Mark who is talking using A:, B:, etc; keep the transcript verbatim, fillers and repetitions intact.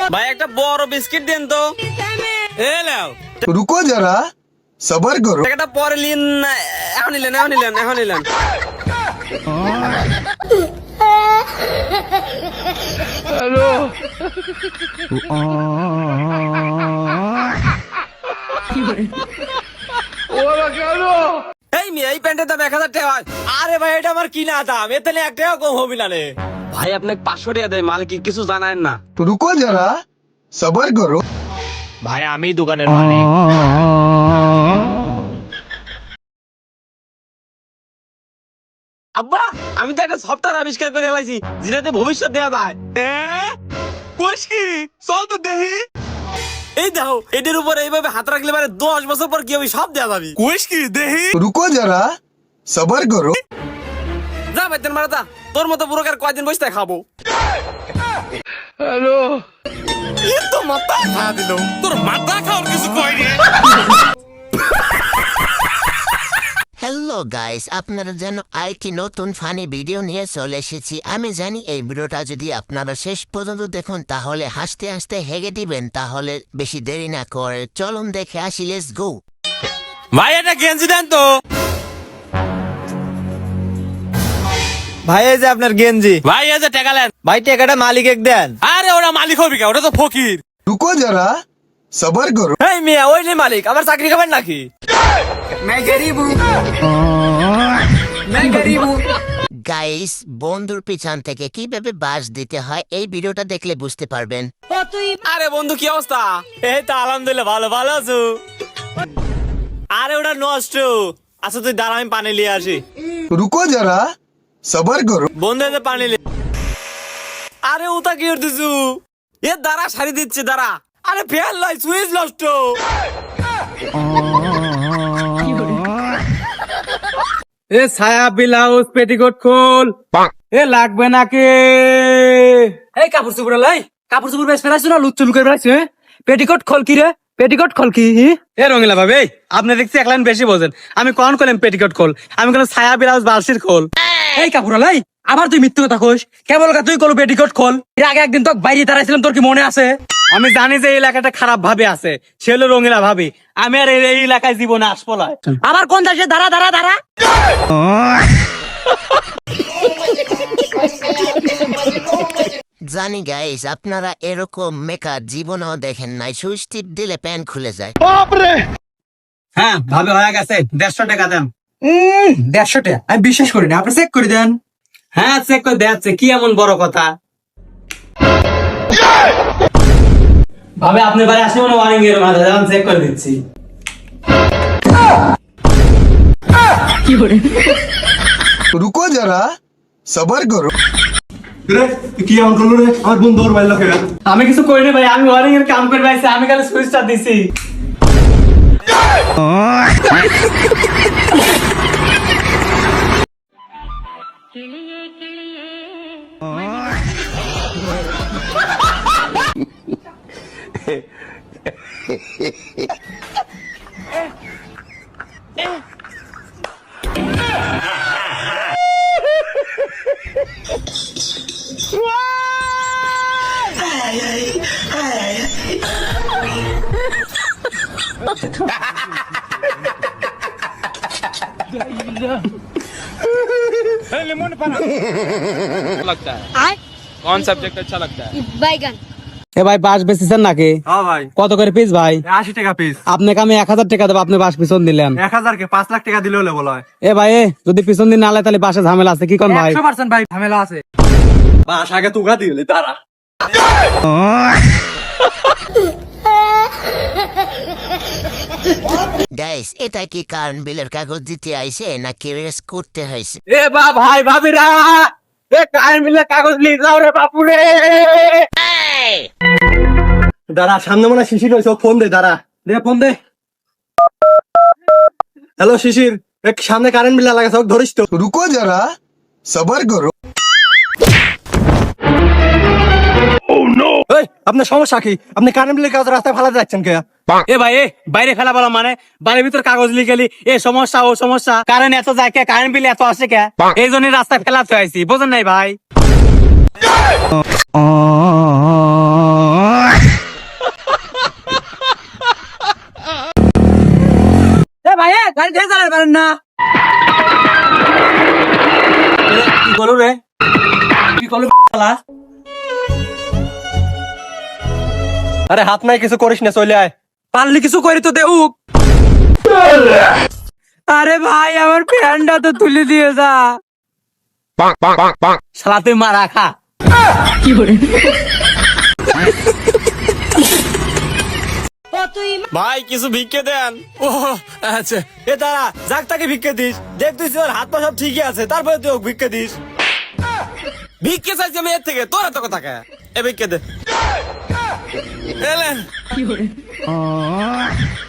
A: ভাই একটা বড় বিস্কিট দেন তো। এ নাও।
B: रुको जरा सबर करो।
A: টাকাটা পরে নিন, এখন নিলেন এখন নিলেন এখন নিলেন।
C: হ্যালো ওরা কেন?
A: এই মেয়ে এই প্যান্টের দাম এক হাজার টাকা। আরে ভাই এটা আমার কিনা দাম, এর তাহলে এক টাকা কম হবে না রে। ভাই আপনাকে পাঁচশো টাকা দেয়, মালিক কিছু জানায় না।
B: रुको जरा सबर करो।
D: ভাই আমি দোকানের মালিক।
A: আব্বা আমি তো একটা সফটওয়্যার আবিষ্কার করে ফেলাইছি যেটাতে ভবিষ্যৎ দেওয়া যায়।
D: কোষ কি? চল তো দেখি।
A: এই দেখো এটার উপরে এইভাবে হাত রাখলে মানে দশ বছর পর কি হবে সব দেওয়া যাবে।
D: কোষ কি দেখি?
B: रुको जरा सबर करो।
A: যা বাইতেন মারাতা, তোর মতো পুরোকার কয়দিন বসে খাবো।
C: হ্যালো
A: এ তো মাথা খা দিল।
D: তোর মাথা খাওয়ার কিছু কই রে?
E: হ্যালো গাইস, আপনারা যেন আরেকটি নতুন ফানি ভিডিও নিয়ে চলে এসেছি। আমি জানি এই ভিডিওটা যদি আপনারা শেষ পর্যন্ত দেখুন তাহলে হাসতে হাসতে হেগে দিবেন। তাহলে বেশি দেরি না করে চলুন দেখে আসি, লেটস গো।
A: ভাই এটা গেঞ্জি দেন তো। ভাই এই যে আপনার গেঞ্জি।
D: ভাই এই যে টাকা নেন।
A: ভাই টাকাটা মালিক এক দেন।
D: আরে ওরা মালিক হবে কে? ওটা তো ফকির।
B: रुको जरा सबर करो।
A: এই মিয়া ওই নে মালিক, আমার চাকরি খাবেন নাকি?
E: গাইস, বন্ধুর পিছন থেকে কিভাবে বাস দিতে হয় এই ভিডিওটা দেখলে বুঝতে পারবেন।
A: আরে বন্ধু কি অবস্থা? এই তো আলহামদুলিল্লাহ ভালো, ভালো আছো? আরে ওটা নষ্ট। আচ্ছা তুই দাঁড়া আমি পানি নিয়ে আসি।
B: रुको जरा सबर करो।
A: বন্ধু এনে পানি লে। আরে ওটা কি করতেছু? এ দাঁড়া শাড়ি দিচ্ছে দাঁড়া। আরে ফেল লাই সুইচ নষ্ট।
F: এ ছায়া ব্লাউজ পেটিকোট খোল। এ লাগবে নাকি? এই কাপড় চুপড় লাই, কাপড় চুপড় বেশ ফেলাইছো না? লুচ্চু লুকে ফেলাইছো। পেটিকোট খোল কি রে? পেটিকোট খোল কি? এ রঙিলা ভাবে আপনি দেখছি এক লাইন বেশি বোঝেন। আমি কখন করলাম পেটিকোট খোল? আমি কোনো ছায়া ব্লাউজ বালসির খোল। এই কাপড় লাই আবার তুই মিথ্যে কথা কইস। কেবল তুই কল পেটিকোট খোল। এর আগে একদিন তো বাইরে দাঁড়াইছিলাম, তোর কি মনে আছে? আমি জানি যে এই এলাকাটা খারাপ ভাবে আছে, সে হলো রঙিলা ভাবি। আমি আর এই এলাকায় জীবনে আসবো না। আবার কোন দেশে দাঁড়া দাঁড়া দাঁড়া।
E: জানি গাইস, আপনারা এরকম মেকআপ জীবনেও দেখেন নাই। সুইচ টিপ দিলে প্যান্ট খুলে যায়।
F: হ্যাঁ ভাবে হয়ে গেছে, দেড়শো টাকা দেন। দেড়শো টাকা আমি বিশ্বাস করি না, আপনি চেক করে দেন। হ্যাঁ চেক করে দেখাচ্ছে, কি এমন বড় কথা? ভাবে আপনি বাড়ি আসলে মনে ওয়ারিং এর মাঝে যান, চেক করে দিচ্ছি।
B: रुको जरा सबर करो।
F: আমি কিছু করিনি ভাই, আমি ওয়ারিং এর কাম করে পাইছি, আমি খালি সুইচটা দিছি।
D: लगता है कौन सब्जेक्ट अच्छा लगता है?
G: बैगन।
F: এ ভাই বাস বেচেছেন নাকি?
H: হ্যাঁ ভাই,
F: কত করে পিস ভাই?
H: আশি টাকা পিস।
F: আপনাকে আমি এক হাজার টাকা দেবো, আপনি বাস পিছন দিলেন।
H: এক হাজার কে পাঁচ লাখ টাকা দিলে হলে বলা হয়।
F: এ ভাই এ, যদি পিছন দিন না আলে তাহলে বাসে ঝামেলা আছে, কি কোন ভাই?
H: একশো পার্সেন্ট ভাই ঝামেলা আছে। বাস আগে তুগা দিলে তারা।
E: গাইস, এটা কি কারণ বিলের কাগজ দিতে আইছে নাকি রেস করতে হয়েছে?
F: এ বা ভাই ভাবিরা, এ কার মিলে কাগজ নিয়ে যাও রে বাপুরে।
H: দাঁড়া, সামনে মনে হয় শিশির হয়েছে, ফোন দে। দাঁড়া
F: দে ফোন দে।
H: হ্যালো শিশির, এক সামনে কারেন্ট বিল লাগাছে, ধরিস তো।
B: रुको जरा सबर करो।
H: এই, আপনার সমস্যা কি? আপনি কারেন্ট বিলের কাগজ রাস্তায় ফালাতে যাচ্ছেন কে?
F: এ ভাই এ বাইরে ফেলা বলা মানে বাড়ির ভিতর কাগজ লিখেলি এ সমস্যা ও সমস্যা, কারেন্ট এত যায় কে, কারেন্ট বিল এত আসে কে, এই জন্য রাস্তায় ফেলাতে হয়েছি, বোঝেন নাই ভাই? গাড়ি থেকে চালাতে পারেন না
H: কি করু রে কি করু শালা আরে হাত নাই কিছু করিস না চলে আয়
F: পারলে কিছু করি তো দেউক আরে ভাই আমার প্যান্টটা তো তুলে দিয়ে যা শালা তুই মারা খা
A: ভাই কিছু ভিক্ষে দেন।
H: ও আচ্ছা
A: এ দাঁড়া, যাক তাকে ভিক্ষে দিস। দেখ তুই ওর হাত পা সব ঠিকই আছে, তারপরে তুই ওকে ভিক্ষে দিস। ভিক্ষে চাইছি আমি এর থেকে, তোর এত কথা কে? এ ভিক্ষে দে। এলেন